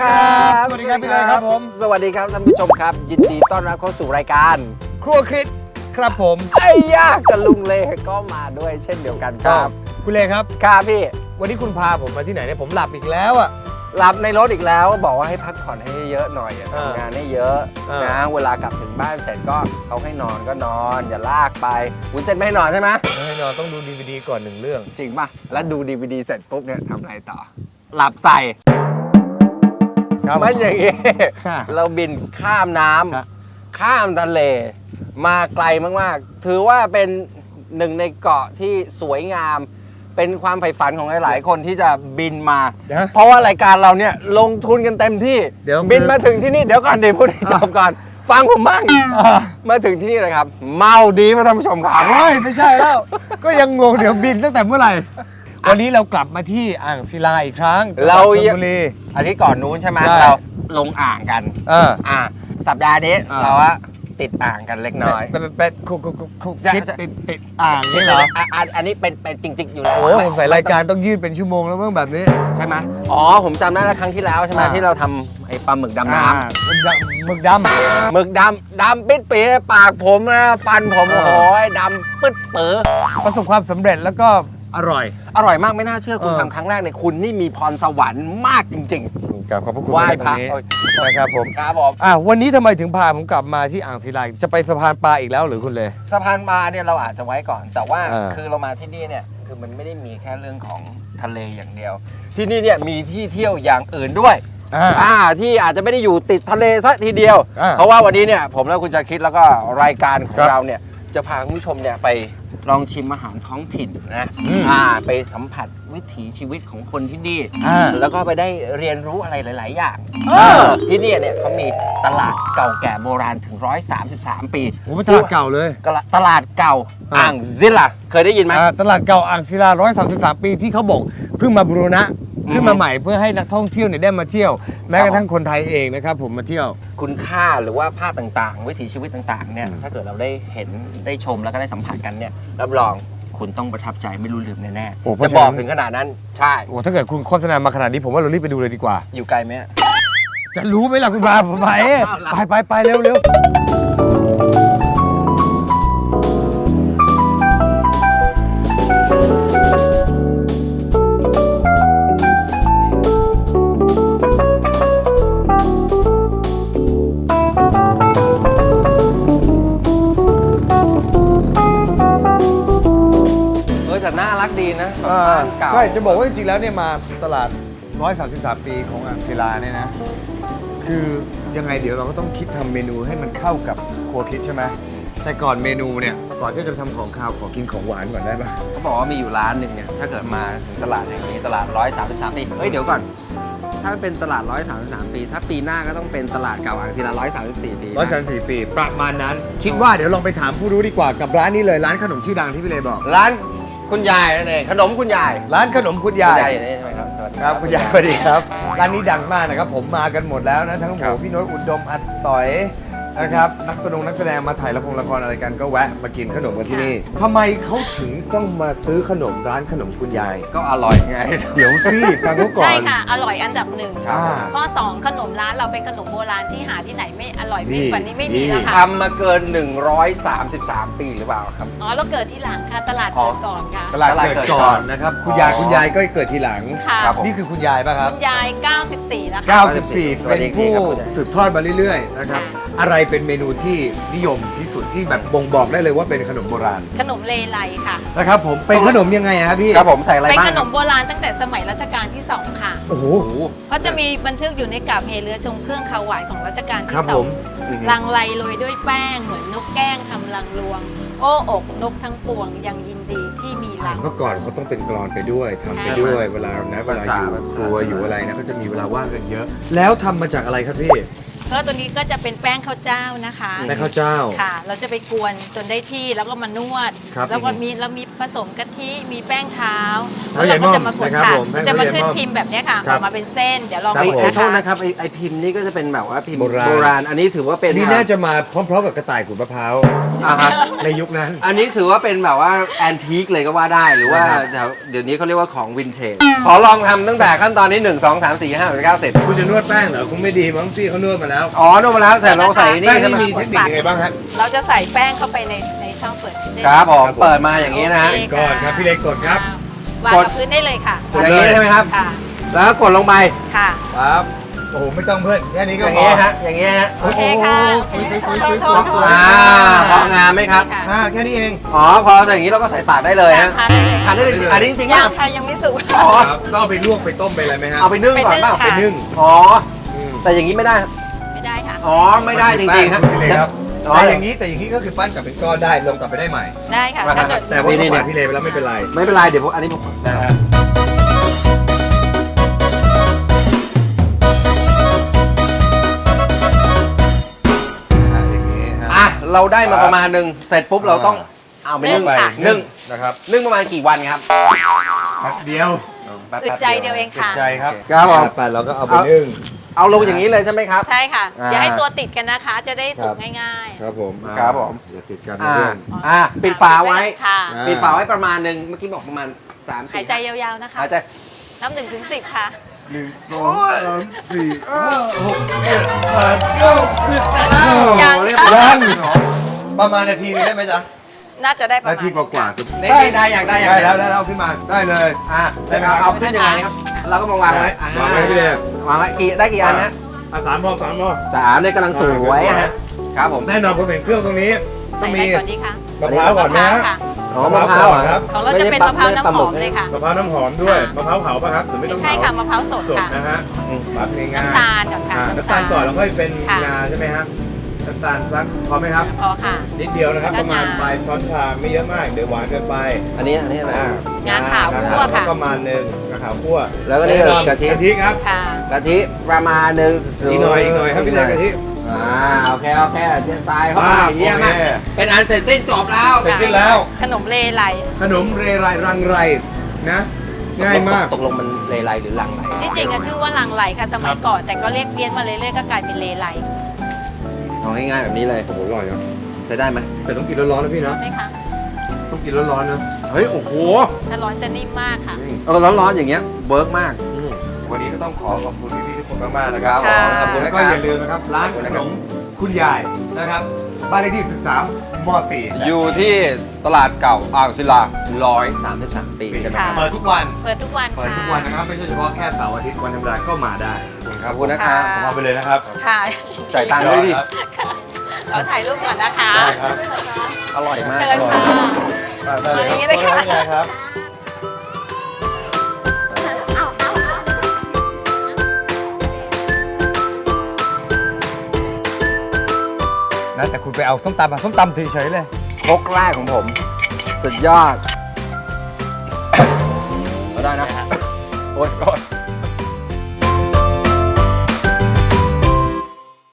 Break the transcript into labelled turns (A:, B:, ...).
A: สวัสดีครับพี่เลยครับผม
B: สวัสดีครับท่านผู้ชมครับยินดีต้อนรับเข้าสู่รายการ
A: ครัวคริสครับผม
B: ไอ้ยากกับลุงเลก็มาด้วยเช่นเดียวกันครับ
A: คุณเลครับ
B: ครับพี่
A: วันนี้คุณพาผมมาที่ไหนเนี่ยผมหลับอีกแล้วอ่ะ
B: หลับในรถอีกแล้วบอกว่าให้พักผ่อนให้เยอะหน่อยทำงานให้เยอะนะเวลากลับถึงบ้านเสร็จก็เขาให้นอนก็นอนอย่าลากไปวุ้นเส้นไม่ให้นอนใช่ไหม
A: ไม่ให้นอนต้องดูดีวีดีก่อน1 เรื่อง
B: จริงป่ะแล้วดูดีวีดีเสร็จปุ๊บเนี่ยทำอะไรต่อหลับใส่มันอย่างงี้เราบินข้ามน้ำข้ามทะเลมาไกลมากๆถือว่าเป็นหนึ่งในเกาะที่สวยงามเป็นความใฝ่ฝันของหลายๆคนที่จะบินมาเพราะว่ารายการเราเนี่ยลงทุนกันเต็มที่บินมาถึงที่นี่เดี๋ยวก่อนเดี๋ยวพูดให้จบก่อนฟังผมบ้างมาถึงที่นี่เลยครับเมาดีมาท่านผู้ชมครับ
A: ไม่ใช่แล้วก็ยังงงเดี๋ยวบินตั้งแต่เมื่อไหร่วันนี้เรากลับมาที่อ่างศิลาอีกครั้ง
B: เรา
A: ชลบุรี
B: อาทิตย์ก่อนนู้นใช่ไหมเราลงอ่างกันสัปดาห์นี้เราว่าติดอ่างกันเล็กน้อย
A: เป็นคุกคิดติดอ่างนี่เหรอ
B: อันนี้เป็นจริงๆอยู่แล้ว
A: โอ้ผมใส่รายการต้องยืดเป็นชั่วโมงแล้วเมื่อแบบนี้
B: ใช่ไหมอ๋อผมจำได้แล้วครั้งที่แล้วใช่ไหมที่เราทำไอ้ปลาหมึกดำน้
A: ำหมึกด
B: ำปิดปีปากผมนะฟันผมโอ้โหดำปึ๊ดเป๋อ
A: ประสบความสำเร็จแล้วก็อร่
B: อยมากไม่น่าเชื่อคุณทำครั้งแรกในคุณนี่มีพรสวรรค์มากจริง
A: ๆขอบพระคุณ
B: ไหว้พระ
A: นะครับผม
B: ครับผม
A: วันนี้ทำไมถึงพาผมกลับมาที่อ่างศิลาจะไปสะพานปลาอีกแล้วหรือคุณเลย
B: สะพานปลาเนี่ยเราอาจจะไว้ก่อนแต่ว่าคือเรามาที่นี่เนี่ยคือมันไม่ได้มีแค่เรื่องของทะเลอย่างเดียวที่นี่เนี่ยมีที่เที่ยวอย่างอื่นด้วยที่อาจจะไม่ได้อยู่ติดทะเลซะทีเดียวเพราะว่าวันนี้เนี่ยผมและคุณจะคิดแล้วก็รายการของเราเนี่ยจะพาคุณผู้ชมเนี่ยไปลองชิมอาหารท้องถิ่นนะไปสัมผัสวิถีชีวิตของคนที่นี่แล้วก็ไปได้เรียนรู้อะไรหลายๆอย่างที่นี่เนี่ยเขามีตลาดเก่าแก่โบราณถึง133 ปี
A: โอ้ตลาดเก่าเลย
B: ตลาดเก่าอ่างศิลาเคยได้ยินไหม
A: ตลาดเก่าอ่างศิลา133 ปีที่เขาบอกเพิ่งมาบูรณะขึ้นมาใหม่เพื่อให้นักท่องเที่ยวเนี่ยได้มาเที่ยวแม้กระทั่งคนไทยเองนะครับผมมาเที่ยว
B: คุณค่าหรือว่าภาพต่างๆวิถีชีวิตต่างๆเนี่ยถ้าเกิดเราได้เห็นได้ชมแล้วก็ได้สัมผัสกันเนี่ยรับรองคุณต้องประทับใจไม่รู้ลืมแน่ๆจะบอกถึงขนาดนั้นใช่
A: โอ้ถ้าเกิดคุณโฆษณามาขนาดนี้ผมว่าเรารีบไปดูเลยดีกว่า
B: อยู่ไกลไหม
A: จะรู้ไหมล่ะคุณพาผมไปเร็ว
B: แต่น่ารักดีนะ
A: ใช่จะบอกว่าจริงๆแล้วเนี่ยมาตลาด133 ปีของอ่างศิลาเนี่ยนะคือยังไงเดี๋ยวเราก็ต้องคิดทำเมนูให้มันเข้ากับครัวคิดใช่ไหมแต่ก่อนเมนูเนี่ยก่อนที่จะทำของข้าวขอกินของหวานก่อนได้ปะ
B: เขาบอกว่ามีอยู่ร้านหนึ่งเนี่ยถ้าเกิดมาถึงตลาดแห่งนี้ตลาด133 ปีเดี๋ยวก่อนถ้าเป็นตลาด133 ปีถ้าปีหน้าก็ต้องเป็นตลาดเก่าอ่างศิลา134 ปี
A: 134 ปีประมาณนั้นคิดว่าเดี๋ยวลองไปถามผู้รู้ดีกว่ากับร้านนี้เลยร้านขนมชื่อดังที่พี่เลยบอก
B: ร้านคุณยายนั่นเองขนมคุณยาย
A: ร้านขนมคุณยาย
B: นี่ใช่ไหมครับสวัสดี
A: ครับคุณยายสวัสดีครับร้านนี้ดังมากนะครับผมมากันหมดแล้วนะทั้งโหพี่โน้ตอุดมอัดต่อยนะครับนักแสดงมาถ่ายละครอะไรกันก็แวะมากินขนมกันที่นี่ทำไมเขาถึงต้องมาซื้อขนมร้านขนมคุณยาย
B: ก็อร่อยไง
A: เดี๋ยวสิฟังเขาก่อน
C: ใช่ค่ะอร่อยอันดับ1ข้อ2ขนมร้านเราเป็นขนมโบราณที่หาที่ไหนไม่อร่อยไม่กว่านี้ไม่มีแล้วค่ะ
B: ทำมาเกิน133 ปีหรือเปล่าครับ
C: เราเกิดที่หลังค่ะตลาดเกิดก่อนค่ะ
A: ตลาดเกิดก่อนนะครับคุณยายก็เกิดทีหลังนี่คือคุณยายป่ะครับ
C: คุณยาย94แล้ว
A: ค่ะ94เป็นผู้สืบทอดมาเรื่อยๆนะครับอะไรเป็นเมนูที่นิยมที่สุดที่แบบบ่งบอกได้เลยว่าเป็นขนมโบราณ
C: ขนมเลไลค่ะ
A: นะครับผมเป็นขนมยังไงครับพี่
B: ครับผมใส่อะไรบ้าง
C: เป็นขนมโบราณตั้งแต่สมัยรัชกาลที่2ค่ะ
A: โอ้โห
C: เพราะจะมีบันทึกอยู่ในกาบเฮเรือชงเครื่องขาวหวานของรัชกาลที่2ลังไลโรยด้วยแป้งเหมือนนกแก้งทำรังรวงโอ้อกนกทั้งปวงยังยินดีที่มีรัง
A: เมื่อก่อนเขาต้องเป็นกลอนไปด้วยทำไปด้วยเวลาอยู่ครัวอยู่อะไรนะก็จะมีเวลาว่างกันเยอะแล้วทำมาจากอะไรครับพี่
C: ก็ตัวนี้ก็จะเป็นแป้งข้าวเจ้านะคะ
A: ในข้าวเจ้า
C: ค่ะ เราจะไปกวนจนได้ที่แล้วก็มานวด
A: ครับ
C: แล้วก็มีผสมกะทิมีแป้งเท้า
A: เท้าใหญ่
C: เราก็จะมากด
A: ม่อมนะครับ
C: ค่ะ
A: ผม
C: มันจะมาขึ้น
A: แป้งเท้าใหญ่ม่อม
C: พิมพ์แบบเนี้ยค่ะ
A: ค
C: อ
A: รั
C: อบ กมาเป็นเส้น เดี๋ยวลอง
A: ครับ
C: ดู
A: ผม
B: โทษ
C: นะ
B: นะคะ ครับไอพิมพ์นี่ก็จะเป็นแบบว่าพิมพ์
A: โบราณ
B: อันนี้ถือว่าเป็น
A: นี่น่าจะมาพร้อมๆกับกระต่ายขูดมะพร้าว
B: อ่าฮะ
A: ในยุคนั้น
B: อันนี้ถือว่าเป็นแบบว่าแอนทีคเลยก็ว่าได้หรือว่า
A: ครับ
B: เดี๋ยวนี้เขาเรียกว่าของวินเทจขอลองทำตั้งแต่ขั้นตอนนี้ 1 2 3 4 5 6 9 เสร็จ
A: คุณจะนวดแป้งเหรอคงไม่ดีมั้งพี่เขานวดมาแล้ว
B: อ๋อนวดมาแล้วแต่เราใส่
A: แป้
B: นี่
A: ง
B: ใช่
A: นี่
B: ไหม
A: มีเทคนิคยังไงบ้างฮะ
C: เราจะใส่แป้งเข้าไปในช่องเปิดเส้น
B: ครับผมเปิดมาอย่างนี้นะฮะ
C: โอเค
A: ก่อนครับพี่เล็กกดครับ
C: วาง
B: กด
C: กับพื้นได้เลยค่ะ
B: อย่างนี้ใช่ไหมครับ
C: ค่ะ
B: แล้วก็กดลงไป
C: ค่ะ
A: ครับโอ้โหไม่ต้องเพื่อนแค่นี้
B: อ
A: ก็
B: ย่าง
A: พอ
B: นี้ฮะอย่างนี้ฮะ
C: โอเคค่ะ
A: โอ้โห
C: โทษ
B: พองามไหมครับ
C: ค่ะ
A: แค่นี้เอง
B: อ๋อพอใส่อย่างนี้เราก็ใส่ปากได้เลยฮะ
C: ทานได้เลย
B: ทานได้เลยอันนี้จริงๆ
C: ยั
B: ป่ะ
C: งค่ะยังไม่สุก
B: อ๋อ
A: ครับต้องเอาไปลวกไปต้มไปอะไรไหมฮะ
B: เอาไปนึ่งก่อนเปล่า
C: ไปนึ่งค่ะ
A: ไปนึ่ง
B: อ๋อ
A: อืม
B: แต่อย่างนี้ไม่ได้
C: ไม่ได้ค่ะ
B: อ๋อไม่ได้จริงๆครับ
A: พี่เล็กครับ
B: อ๋อ
A: แต่อย่างนี้ก็คือปั้นกลับเป็นก้อนได้ลงกลับไปได้ใหม่
C: ได้ค่ะ
B: มาครับ
C: ถ้าเกิด
A: แต่ว่า
B: นี่
A: เขาฝากพี่เลไปแล้วไม่เป็นไร
B: ไม่เป็นไรเดี๋ยวผมอันนี้ผม
A: นะฮะอย่างนี้ฮะ
B: อ่ะเราได้มาประมาณหนึงเสร็จปุ๊บเราต้องเอาไปนึ่ง
A: ไป
B: นึ่ง
A: นะครับ
B: นึ่งประมาณกี่วันครับ
A: แป๊บเดียว
B: แป๊บ
C: อึดใจเดียวเอง
A: ติด
C: ค่ะ
A: ใจครับ
B: ครับผม
A: ไปเราก็เอาไปนึ่ง
B: เอาลงอย่างนี้เลยใช่ไหมครับ
C: ใช่ค่ะ
B: อ่า
C: อย่าให้ตัวติดกันนะคะ จะได้สุก
A: ครับ
C: ง่าย
A: ครับผม
B: ครับผม
A: อย่าติดกันนะ
B: อ่า
A: เพื่อน
C: ๆ
B: อ่าปิดฝาไว้
C: ค่ะ
A: อ่า
B: ปิดฝาไว้ประมาณหนึงเมื่อกี้บอกประมาณ3
C: หายใจยาวๆนะคะ
B: หายใจ
C: นับ1 ถึง 10 ค่ะ
A: 1 2 3 4 5 6 7 8 9 10
C: ยัง
B: เรียบ
C: ค่ะ
B: ร้อย
A: ประมาณนาทีนึงได้ไหมจ๊ะ
C: น่าจะได้ประมา
A: นา
C: ณ
A: ทีกว่าๆคือ
B: ได้อย่างได้อย่าง
A: ได้แล้วได้แล้วขึ้นมาได้เลย
B: อ่ะ
A: ได้ไหมครับ
B: เอาขึ้นยังไงครับเราก็มาวางไว้
A: วางไว้พี่เล็ก
B: วางไว้ได้กี่อันนะ
A: สามพอสามพอ
B: 3เนี่ยกำลังสวยฮะครับผม
A: แน่นอนผมเห็นเครื่องตรงนี้ต้
C: ใส่
A: อง
C: อะไร
A: มี
C: ก่อนดีคะ
A: มะพร้าวก่อน
C: มะพ
A: นะ
C: ร้าว
A: ฮะ
C: ค่ะ
B: อ๋อมะพร้าวเหรอครับ
C: ของเราจะเป็นมะพร้าวน้ำหอมเลยค่ะ
A: มะพร้าวน้ำหอมด้วย
C: ค่ะ
A: มะพร้าวเผาป่ะครับหรือไม่
C: ไม่
A: ต้อง
C: ใช่
A: เผา
C: ค่ะมะพร้าวสด
A: สด
C: ค่ะ
A: นะฮะปรับง่ายๆ
C: น้ำตาลก่อนค่ะ
A: น้ำตาลก่อนแล้วค่อยเป็น
C: ค่ะ
A: งาใช่ไหมฮะน้ำตาลสักพอไหมครับ
C: พอค่ะ
A: นิดเดียวนะครับ
C: แล้
A: ป
C: ว
A: ระมาณ
C: งา
A: ปลายช้อนชาไม่เยอะมากเดี๋ยวหวานเกินไป
B: อันนี้อะไร
C: งาขาวคั่วค่ะ
A: ประมาณหนึ่งงาขาวคั่ว
B: แล้วก็นี่
A: แน่นอน
B: กะทิ
A: กะทิครับ
C: ค่ะ
B: กะทิประมาณหนึง
A: อีกหน่อยครับพี่เล็กกะทิ
B: โอเคเทียนทรายเข้า
A: อ่า
B: มาเยี่ยมมาก
A: โอเค
B: เป็นอันเสร็จสิ้นจบแล้ว
A: เสร็จสิ้นแล้ว
C: ขนมเลไล
A: ขนมเรไรรังไรนะ ง่ายมาก
B: ตกลงมันเลไลหรือลังไร
C: ที่จริงอะชื่อว่าลังไหลค่ะสมัยก่อน แต่ก็เรียกเพี้ยนมาเรื่อยๆก็กลายเป็นเลไล
B: เอาง่ายๆแบบนี้เลย
A: โอ้โหอร่อยนะ
B: ใช้ได้ไหม
A: แต่ต้องกินร้อนๆนะพี่
C: ร้อ
A: นะ
C: นไหมคะ
A: ต้องกินร้อนๆนะ
B: เฮ้ยโอ้โห
C: ถ้าร้อนจะนิ่มมากค่ะ
B: ร้อนๆอย่างเงี้ยเวิร์กมาก
A: วันนี้ก็ต้องขอขอบคุณพี่ๆทุกคนมากๆนะครับ
C: ค่ะ
A: ขอบคุณแล้วก็อย่าลืมนะครับร้านขนมคุณยายนะครับบ้านเลขที่ 13ม .4
B: อยู่ที่ตลาดเก่าอ่างศิลา133 ปีใช่ไหมครับ
A: เปิดทุกวัน
C: เปิดทุกวัน
A: เปิด
C: ค่ะ
A: ทุกวันนะครับ ไม่ใช่เฉพาะแค่เสาร์อาทิตย์วันธรรมดาก็มาได้
B: ขอบคุณนะครับ
A: ผมเอาไปเลยนะครับ
C: ค่ะ
B: จ่ายตังค์ด้วยดิ
C: เราถ่ายรูปก่อนนะคะ
A: ได้ครับ
B: อร่อยมาก
C: เชิญค่ะ
A: ได้เลย
C: อย่างนี้เลยค่ะ
A: ขอบณครับนะแต่คุณไปเอาส้มตำมาส้มตำเฉยๆเลย
B: ครกแรกของผม สุดยอด ก็ได้นะ โอ๊ย